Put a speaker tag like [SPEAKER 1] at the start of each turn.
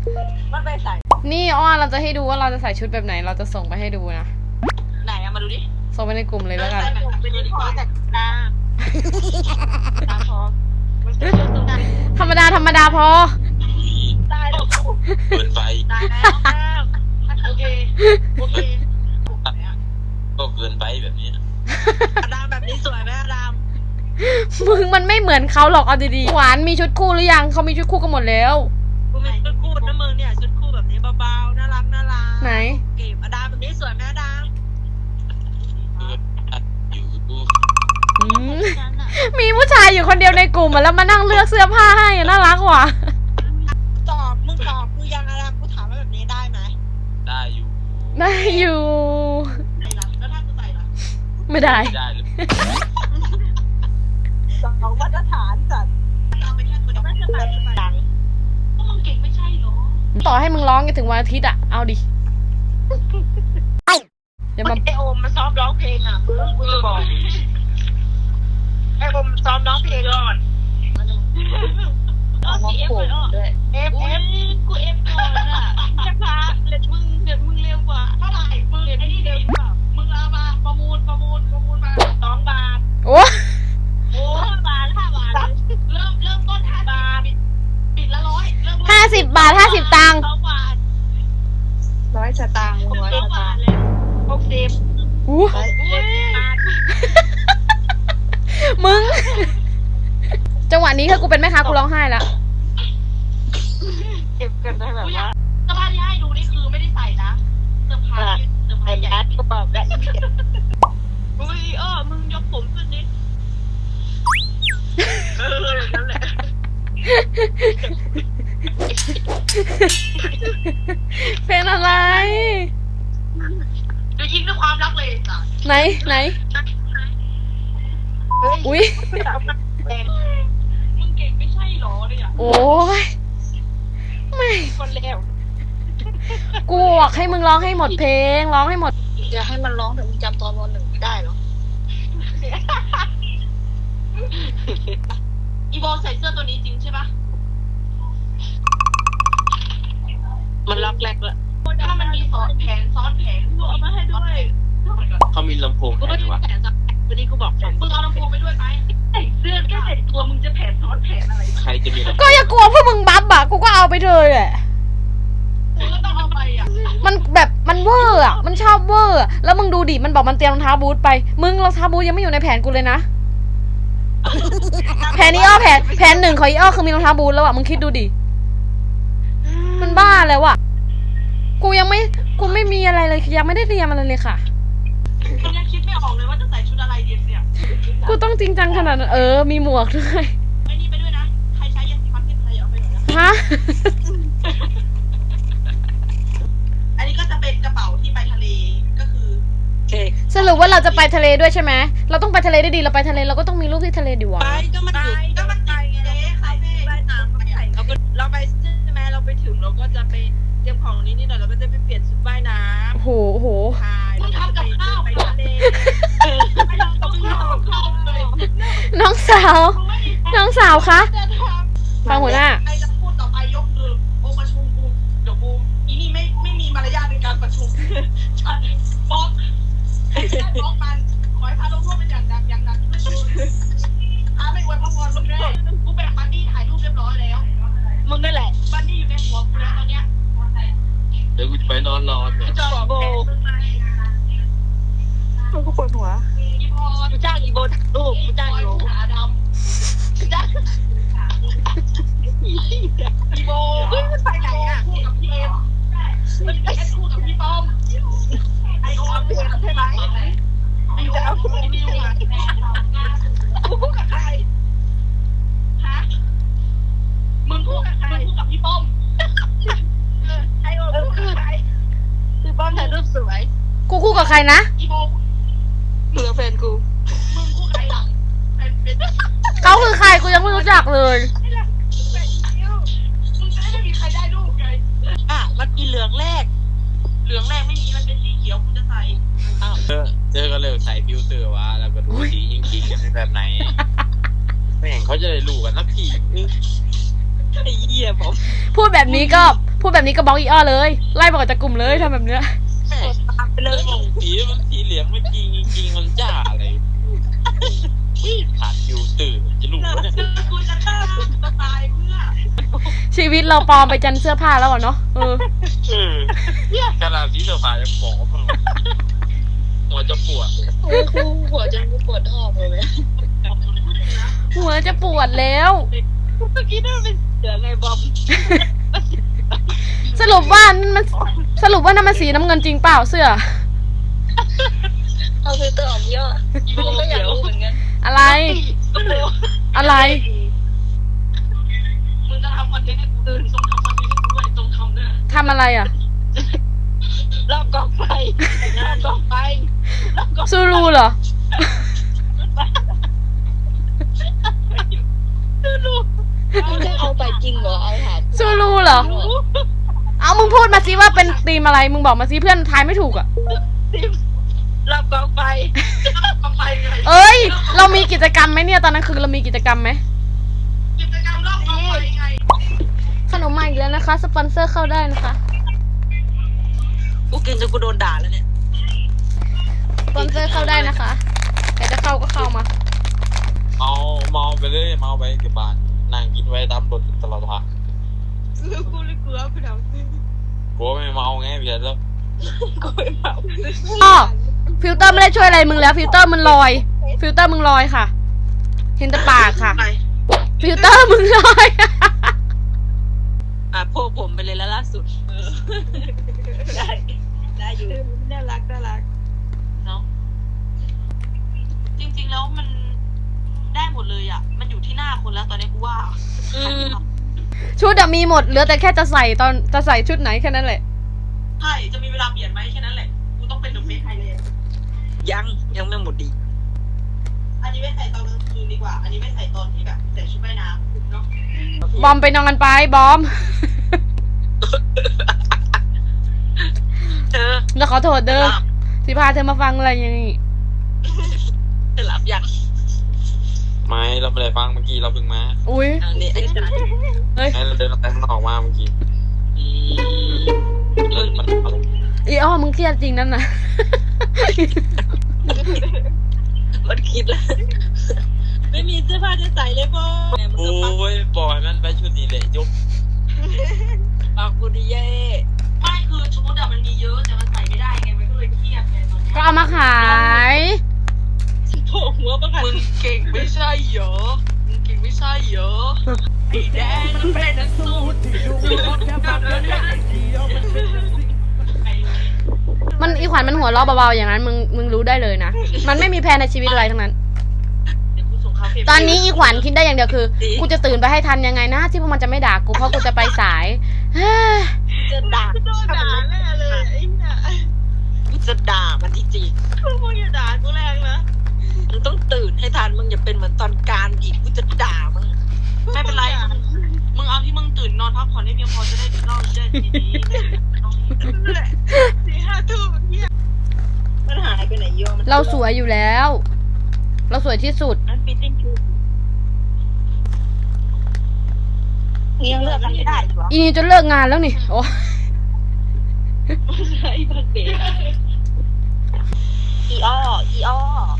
[SPEAKER 1] มันไปใส่
[SPEAKER 2] นี่อ้อเราจะให้ดูว่าเราจะใส่ชุดแบบไหนเราจะส่งไปให้ดูนะ
[SPEAKER 1] ไหนอะมาดูดิ
[SPEAKER 2] ส่งไปในกลุ่มเลยแล้วกัน
[SPEAKER 1] เป็นดิพอแต่ตาพอ
[SPEAKER 2] ธรรมดาพอ
[SPEAKER 1] ตายแล้ว
[SPEAKER 3] เกินไป
[SPEAKER 1] ตายแล้วโอเค
[SPEAKER 3] ก็เกินไปแบบนี้
[SPEAKER 1] อดามแบบนี้สวยไหมอดาม
[SPEAKER 2] มึงมันไม่เหมือนเขาหรอกเอาดีๆหวานมีชุดคู่หรือยังเขามีชุดคู่กันหมดแล้ว
[SPEAKER 1] กูมีชุดคู่นะมึงเนี่ยชุดคู่แบบนี้เบาๆน่ารัก
[SPEAKER 2] ไหน
[SPEAKER 1] เก็บอดามแบบนี้สวยไหมอดาม
[SPEAKER 2] มีผู้ชายอยู่คนเดียวในกลุ่มแล้วมานั่งเลือกเสื้อผ้าให้น่ารักว่ะ
[SPEAKER 1] มึงตอบกูยังอดามกูถามว่าแบบนี้ได้ไหม
[SPEAKER 3] ได้อยู่
[SPEAKER 1] แล้วถ้ากูใส่ล่ะ
[SPEAKER 2] ไม่ได้
[SPEAKER 1] สองมาตรฐานจัดเอาไปแค่คนเดียวไม่ใช่ดังก็มึงเก่งไม่ใช่หรอ
[SPEAKER 2] ต่อให้มึงร้องกันถึงวันอาทิตย์อะเอาดิ
[SPEAKER 1] อย่ามาไอโอมมาซ้อมร้องเพลงอ่ะมึงจะบอกไอโอมซ้อมร้องเพลงก่อนเอาสีเอฟด้วยเอฟกูเอฟก่อนอ่ะจะพาเด็ดมึงเร็วกว่าเท่าไหร่มึงไอ้นี่เร็วกว่ามึงเอามาประมูลมา2 บาท
[SPEAKER 2] โอ้
[SPEAKER 1] 5 บาทเริ่มต้น5 บาทปิดละ100เริ่ม
[SPEAKER 2] 50 บาท50 ตังค์
[SPEAKER 1] 2 บาท100 สตางค์100 บาทเลย60
[SPEAKER 2] อู้มึงจังหวะนี้ถ้ากูเป็นแม่ค้ากูร้องไห้ละ
[SPEAKER 1] เก็บกันได้แบบว่าเสื้อผ้าที่ให้ดูนี่คือไม่ได้ใส่นะเสื้อผ้ายัดกระเป๋าและอุ้ยมึงยกผมขึ้นนิดนั่นแหละ
[SPEAKER 2] เป็นอะไร
[SPEAKER 1] จะยิงด้วยความรักเลยจ้ะ
[SPEAKER 2] ไหนอุ้ย
[SPEAKER 1] มึงเก่งไม่ใช่หรอเนี่ย
[SPEAKER 2] โอ้ยไม่
[SPEAKER 1] คนเลว
[SPEAKER 2] กูบอกให้มึงร้องให้หมดเพลงร้องให้หมด
[SPEAKER 1] อย่าให้มันร้องแต่มึงจำตอนวัน 1ไม่ได้หรออีโบใส่เสื้อตัวนี้จริงใช่ปะมันล็อกแรกเลยถ้ามันมีซ้อนแผนกูเอามาให้ด้วย
[SPEAKER 3] เขามีลำโพงแผนวะ
[SPEAKER 1] วันนี้กูบอกมึงเอาลำโพงไปด้วยไหมใส่เสื้อแค่ใส่ตัวมึงจะแผนซ้อนแผนอะไร
[SPEAKER 3] ใครจะมีลำโพง
[SPEAKER 2] ก็อย่ากลัวพวกมึงบัฟอะกูก็เอาไปเลยแหละ
[SPEAKER 1] กูก็ต้องเอาไปอะ
[SPEAKER 2] มันแบบมันเวอร์อะมันชอบเวอร์แล้วมึงดูดิมันบอกมันเตรียมรองเท้าบูทไปมึงรองเท้าบูทยังไม่อยู่ในแผนกูเลยนะแผนนี้แผน1ของอีอ้อคือมีรองเท้าบูทแล้วอะมึงคิดดูดิมันบ้าแล้วอะกูไม่มีอะไรเลยยังไม่ได้เตรียมอะไรเลยค่ะ
[SPEAKER 1] กูยังคิดไม่ออกเลยว่าจะใส่ชุดอะไรดีเนี่ย
[SPEAKER 2] กูต้องจริงจังขนาดนั้นมีหมวกด้วย
[SPEAKER 1] ไอ้นี่ไปด้วยนะใครใช้ยาสีฟันที่ไทยเอาไปหน่อยนะ
[SPEAKER 2] ฮะ
[SPEAKER 1] อันนี้ก็จะเป็นกระเป๋าที่ไปทะเลก็คือ
[SPEAKER 2] สรุปว่าเราจะไปทะเลด้วยใช่ไหมเราต้องไปทะเลได้ดีเราไปทะเลเราก็ต้องมีรูปที่ทะเลดิวะ
[SPEAKER 1] ไปก็มันไปไงใครไม่ไปน้ำไปเราไปใช่ไหมเราไปถึงเราก็จะไปเตรียมของนิดหน่อยเราก็จะไปเปลี่ยนชุดว่ายน้ำ
[SPEAKER 2] โอ้โห
[SPEAKER 1] มึงทำกับข้าวไปทะเลไปทำกับข้าวเลย
[SPEAKER 2] น้องสาวคะฟังหัวหน้า
[SPEAKER 1] ใครจะพูดต่อไปยกมือโอ้ประชุมกูเดี๋ยวกูอีนี่ไม่มีมารยาทในการประชุมฉันฟ้องมันขอให้พาลงโทษเป็นอย่างหนักไม่ชูไม่อวยพรมึงเลยกูแบ่งบันดี้ถ่ายรูปเรียบร้อยแล้วมึงนั่นแหละบันดี้อยู่ในหัวกูแล้วตอนเนี้ย
[SPEAKER 3] เดี๋ยวกูจะไปนอนรอเนี่ย
[SPEAKER 1] จอโบกูปวดหัวอีโบกูจ้างอีโบถ่ายรูปกูจ้างอีโบขาดำกูจ้างอีโบมันไปไหนอ่ะคู่กับพี่เอ็มมันไปคู่กับพี่ป้อมไอโอมใช่ไหมจะเอาคู่กับพี่นิวอ่ะคู่กับใครฮะมึงคู่กับใครคู่กับพี่ป้อมไอโอมคู่กับใครพี่ป้อมถ่ายรูปสวย
[SPEAKER 2] กูคู่กับใครนะ
[SPEAKER 1] อีโบมึงกับแฟนกูมึงคู่ใครล่ะ
[SPEAKER 2] เขาคือใครกูยังไม่รู้จักเลย
[SPEAKER 1] ไม่มีใครได้รูปไงมันมีเหลืองแรกไม่มีมันเป็นสีเขียวกูจะใส่
[SPEAKER 3] เจอก็เลยใส่ฟิลเตอร์วะแล้วก็ดูสียิงกันเป็นแบบไหนไม่เห็นเขาจะได้รู้กันสักที
[SPEAKER 1] ไอ้เหี้ยผม
[SPEAKER 2] พูดแบบนี้พูดแบบนี้ก็บล็อกอีอ้อเลยไล่บอกจากกลุ่มเลยทำแบบเนี้ย
[SPEAKER 3] แม่
[SPEAKER 1] ตามไปเล
[SPEAKER 3] เรื่อย งสีมันสีเหลืองไม่จริงจริงมันจ้าอะไรขาดฟิลเตอร์จะรู้ว่าเนี่ย
[SPEAKER 1] กูจะฆ่ากูจะตายเพื่อ
[SPEAKER 2] ชีวิตเราปลอมไปจันเสื้อผ้าแล้วอะเนาะ
[SPEAKER 3] ขนาดสีเสื้อผ้าจะปลอมหัวจะปวด
[SPEAKER 1] กูหัวจนกูปวดท้องเลย
[SPEAKER 2] หัวจะปวดแล้ว
[SPEAKER 1] เมื่อกี้นั่นเป็นเสือไงบอม
[SPEAKER 2] สรุปว่านั่นมันสีน้ำเงินจริงเปล่าเสื้อ
[SPEAKER 1] เอาฟิลเตอร์ออกเยอะกูก็อยากรู้เหมือนกัน
[SPEAKER 2] อะไร อะไร
[SPEAKER 1] มึงจะทำคอนเทนต์ให้กูตื่นต้องทำคอนเทนต์ให้กูด้วยต้องทำด้วย
[SPEAKER 2] ทำอะไรอ่ะ
[SPEAKER 1] รอบกองไฟรอบกองไฟรอบกอง
[SPEAKER 2] ซูรูเหรอ
[SPEAKER 1] มึงจะเอาไปจริงเหรอเอาถาม
[SPEAKER 2] ซูรูเหรอ เอามึงพูดมาสิว่าเป็นธีมอะไร มึงบอกมาสิเพื่อนทายไม่ถูกอ่ะ
[SPEAKER 1] รอบกองไฟรอบกองไฟไง
[SPEAKER 2] เอ้ย เรามีกิจกรรมไหมเนี่ยตอนนั้นคือเรามีกิจกรรมไหม
[SPEAKER 1] กิจกรรมรอบกองไฟไง
[SPEAKER 2] ขนมมาอีกแล้วนะคะ สปอนเซอร์เข้าได้นะคะ
[SPEAKER 1] กูกินจนกูโดนด่าแล้วเนี่ย
[SPEAKER 2] สปอนเซอร์เข้าได้นะคะใครจะเข้าก็เข้ามา
[SPEAKER 3] เมาไปเลยเมาไปเก็บบานนั่งกินไว้ตามรถตลอดทาง
[SPEAKER 1] กูเลยกลัวกูเดาก
[SPEAKER 3] ลัวไม่เมาไงพี่แล้ว
[SPEAKER 1] กูไม่เมา
[SPEAKER 2] อ้อฟิลเตอร์ไม่ได้ช่วยอะไรมึงแล้ว ฟิลเตอร์มันลอย ฟิลเตอร์มึงลอยค่ะ เห็นแต่ปากค่ะ ฟิลเตอร์มึงลอย
[SPEAKER 1] พวกผมไปเลยแล้วล่าสุดได้ได้อยู่น่ารักเนาะจริงๆแล้วมันได้หมดเลยอ่ะมันอยู่ที่หน้าคนแล้วตอนนี้กูว่า
[SPEAKER 2] ชุดอะมีหมดเหลือแต่แค่จะใส่ตอนจะใส่ชุดไหนแค่นั้นแหละ
[SPEAKER 1] ใช่จะมีเวลาเปลี่ยนไหมแค่นั้นแหละกูต้องเป็นหนุ่มเมฆไทยเลยยังไม่หมดดีอันนี้ไม่ใส่ตอนกลางคืนดีกว่า อันนี้ไม่ใส่ตอนที่แบบใส่ชุดว่ายน้ำเนาะ
[SPEAKER 2] บอมไปนอนกันไปบอม
[SPEAKER 1] เธอ
[SPEAKER 2] แล้วขอโทษเด้อที่พาเธอมาฟังอะไรอย่างนี้
[SPEAKER 1] เธอหลับยัง
[SPEAKER 3] ไม่เราไม่ได้ฟังเมื่อกี้เราเพิ่งมา
[SPEAKER 2] อุ้ย
[SPEAKER 1] อันนี้
[SPEAKER 2] เฮ้ย
[SPEAKER 3] ให้เราเดินออกไปข้างนอกมาเมื่อกี้มัน
[SPEAKER 2] อีอ้อมึงเครียดจริงนั่นน่ะ
[SPEAKER 1] มันคิดแล้วไม่มีเสื้อผ้าจะใส่เลยพ่อ
[SPEAKER 3] โอ้ยปล่อยมันไปชุดนี้เลยยก
[SPEAKER 1] ปากกูดีเย่ไม่คือชุดอะมันมีเยอะแต่มันใส่ไม่ได้ไงมันก็เลยเครียดไงตอนนี้
[SPEAKER 2] ก็เอามาขาย
[SPEAKER 1] โผล่หัวประกันมึงเก่งไม่ใช่เหรอมึงเก่งไม่ใช่เหรอไอ้แดงมันเป็นนักสู้ที่ดูแบบนั้น
[SPEAKER 2] มันอีขวัญมันหัวเราะเบาๆอย่างนั้นมึงรู้ได้เลยนะ มันไม่มีแพลนในชีวิตอะไรทั้งนั้น ตอนนี้อีขวัญคิดได้อย่างเดียวคือ กูจะตื่นไปให้ทันยังไงนะที่พวกมันจะไม่ด่ากูเพราะกูจะไปสาย เฮ้ย
[SPEAKER 1] จะด่าโดนด่าแน่เลยไอ้เนี่ยกูจะด่ามันจริงๆมึงอย่าด่ากูแรงนะมึงต้องตื่นให้ทันมึงอย่าเป็นเหมือนตอนการอีกกูจะด่ามึงไม่เป็นไรมึงเอาที่มึงตื่นนอนพักผ่อนให้เพียงพอจะได้นอนได้ดีๆ4-5 ทุ่มเนี่ยมันหายไปไหนโยม
[SPEAKER 2] เราสวยอยู่แล้ว เราสวยที่สุด
[SPEAKER 1] มันฟิตติ้งชูยังเลือกกันไม่ได้หรอ
[SPEAKER 2] อีนี่จะเลิกงานแล้วนี่โอ้
[SPEAKER 1] ใช่พักเด็กอีอ้อ